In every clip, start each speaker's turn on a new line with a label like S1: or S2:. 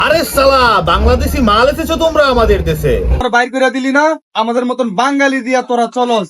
S1: আরে সালা, বাংলাদেশি মাল এসেছো তোমরা আমাদের দেশে।
S2: তোরা বাইর করে দিলি না, আমাদের মতন বাঙালি দিয়া তোরা চলস।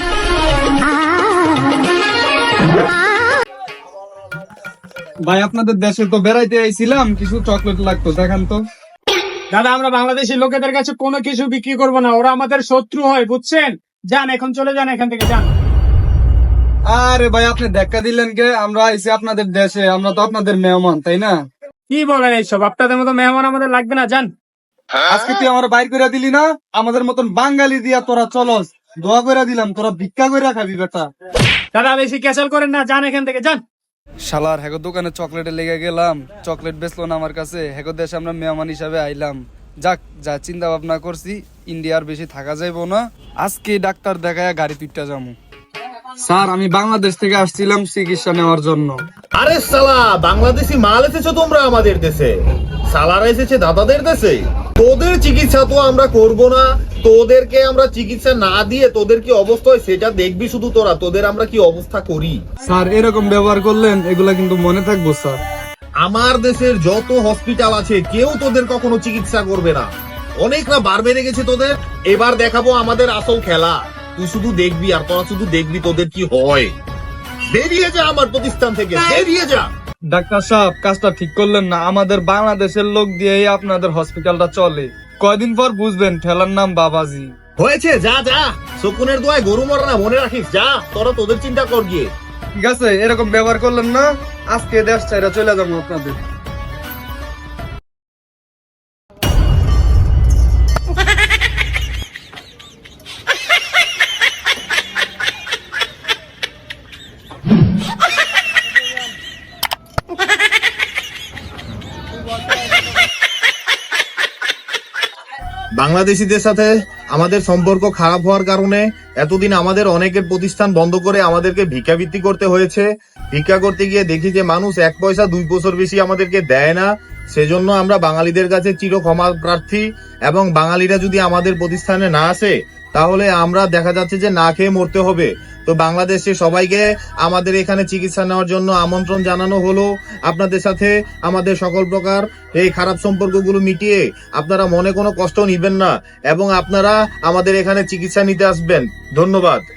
S2: ভাই আপনাদের দেশে তো বেড়াইতে আইছিলাম, কিছু চকলেট লাগতো, দেখান তো।
S3: দাদা, আমরা বাংলাদেশি লোকেদের কাছে কোনো কিছু বিক্রি করবো না, ওরা আমাদের শত্রু হয়, বুঝছেন? যান, এখন চলে যান এখান থেকে, যান।
S2: আরে ভাই আপনি দেখা দিলেন কে? আমরা আইছি আপনাদের দেশে, আমরা তো আপনাদের মেহমান, তাই না?
S3: কি বলেন এইসব? আপনাদের মতো মেহমান আমাদের লাগবে না, যান।
S2: আজকে তুই আমার বাইর করে দিলি না, আমাদের মতন বাঙালি দিয়া তোরা চলস। দোয়া করে দিলাম, তোরা ভিক্ষা করে খাবি বেটা।
S3: দাদা, বেশি ক্যাচাল করেন না, যান এখান থেকে, যান।
S2: শালার হ্যাগো দোকানে চকলেটে লেগে গেলাম, চকলেট বেচলো না আমার কাছে। হ্যাগো দেশে আমরা মেহমান হিসাবে আইলাম। যাক, যা চিন্তা ভাবনা করছি, ইন্ডিয়ার বেশি থাকা যাইবো না। আজকে ডাক্তার দেখায় গাড়ি তুইটা যাবো। স্যার, আমি বাংলাদেশ থেকে আসছিলাম চিকিৎসা নেওয়ার জন্য।
S1: আরে সালা, বাংলাদেশি মাল এসেছো তোমরা আমাদের দেশে। সালারা এসেছে দাদাদের দেশে। তোদের চিকিৎসা তো আমরা করব না, তোদেরকে আমরা চিকিৎসা না দিয়ে তোদের কি অবস্থা হয় সেটা দেখবি শুধু তোরা, তোদের আমরা কি অবস্থা করি।
S2: স্যার, এরকম ব্যবহার করলেন, এগুলা কিন্তু মনে থাকবো স্যার।
S1: আমার দেশের যত হসপিটাল আছে কেউ তোদের কখনো চিকিৎসা করবে না। অনেক না বার বেড়ে গেছে তোদের। এবার দেখাবো আমাদের আসল খেলা। তুই শুধু দেখবি আর তোরা শুধু দেখবি তোদের কি হয়। বেরিয়ে যা আমার প্রতিষ্ঠান থেকে, বেরিয়ে যা।
S2: ডাক্তার সাহেব, কাজটা ঠিক করলেন না। আমাদের বাংলাদেশের লোক দিয়েই আপনাদের হসপিটালটা চলে। কয়দিন পর বুঝবেন ঠেলার নাম বাবাজি।
S1: হয়েছে, যা যা, শকুনের দোয়ায় গরু মরে না, মনে রাখিস। যা, তোরা তোদের চিন্তা কর গিয়ে।
S2: ঠিক আছে, এরকম ব্যবহার করলেন না, আজকে দেশ ছাইরা চলে যাবো আপনাদের।
S1: বাংলাদেশিদের সাথে আমাদের সম্পর্ক খারাপ হওয়ার কারণে এতদিন আমাদের অনেকের প্রতিষ্ঠান বন্ধ করে আমাদেরকে ভিক্ষাবৃত্তি করতে হয়েছে। ভিক্ষা করতে গিয়ে দেখি যে মানুষ 1 পয়সা 2 বছর বেশি আমাদেরকে দেয় না। সেজন্য আমরা বাঙালিদের কাছে চির ক্ষমা প্রার্থী, এবং বাঙালিরা যদি আমাদের প্রতিষ্ঠানে না আসে তাহলে আমরা দেখা যাচ্ছে যে না খেয়ে মরতে হবে। তো বাংলাদেশে সবাইকে আমাদের এখানে চিকিৎসা নেওয়ার জন্য আমন্ত্রণ জানানো হলো। আপনাদের সাথে আমাদের সকল প্রকার এই খারাপ সম্পর্কগুলো মিটিয়ে আপনারা মনে কোনো কষ্ট নিবেন না এবং আপনারা আমাদের এখানে চিকিৎসা নিতে আসবেন। ধন্যবাদ।